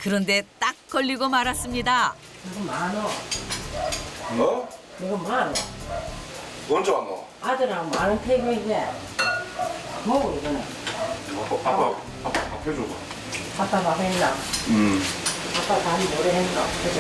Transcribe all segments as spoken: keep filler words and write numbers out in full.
그런데 딱 걸리고 말았습니다. 이거 많어. 어? 이거 많어. 언제 왔노? 아들하고 많은 태국인데 먹어 이거는. 아빠, 아빠, 아빠 밥 해줘봐. 아빠 밥 했나? 음. 아빠 밥이 뭐래 했나? 그죠?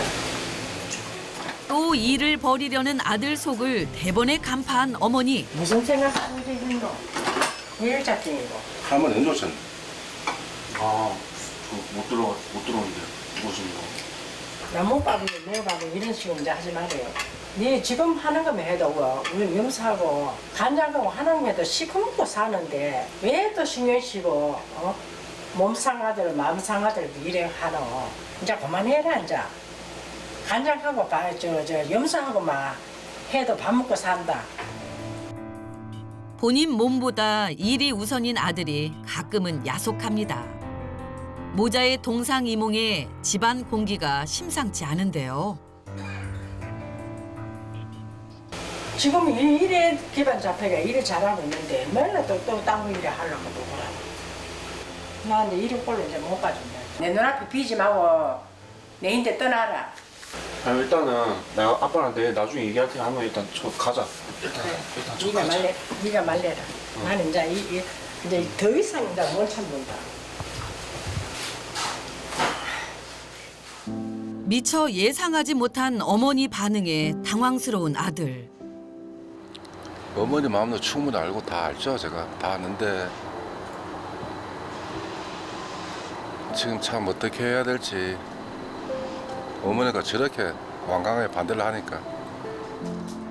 또 일을 벌이려는 아들 속을 대번에 간파한 어머니. 무슨 생각하고 있는 거? 일작쟁이고. 할머니 언제 오셨네? 아, 저 못 들어 못 들어오는데 무슨 거? 나무밥이 매밥이 이런 식으로 이제 하지 말아요. 네 지금 하는 거면 해도 뭐, 우리 염사하고 간장하고 하는 게도 시커멓고 사는데 왜 또 신경 쓰고 어? 몸 상하들 마음 상하들 이래 하노. 이제 그만해라 이제. 간장하고 저저 염사하고 막 해도 밥 먹고 산다. 본인 몸보다 일이 우선인 아들이 가끔은 야속합니다. 모자의 동상이몽에 집안 공기가 심상치 않은데요. 지금 일, 일에 기반 잡혀가 일을 잘하고 있는데 맨날 또또딴 일을 하려고 누구라. 나 이제 일을 꼴로 이제 못 가준다. 내 눈앞에 비지 말고 내 인데 떠나라. 아, 일단은 내가 아빠랑 내일 나중에 얘기할 테니 한번 일단 저 가자. 일단 일단 저 네가 가자. 말래, 네가 말래라. 나는 이제 이, 이, 이제 더 이상 이제 못 참는다. 미처 예상하지 못한 어머니 반응에 당황스러운 아들. 어머니 마음도 충분히 알고 다 알죠. 제가 다 아는데 지금 참 어떻게 해야 될지 어머니가 저렇게 완강하게 반대를 하니까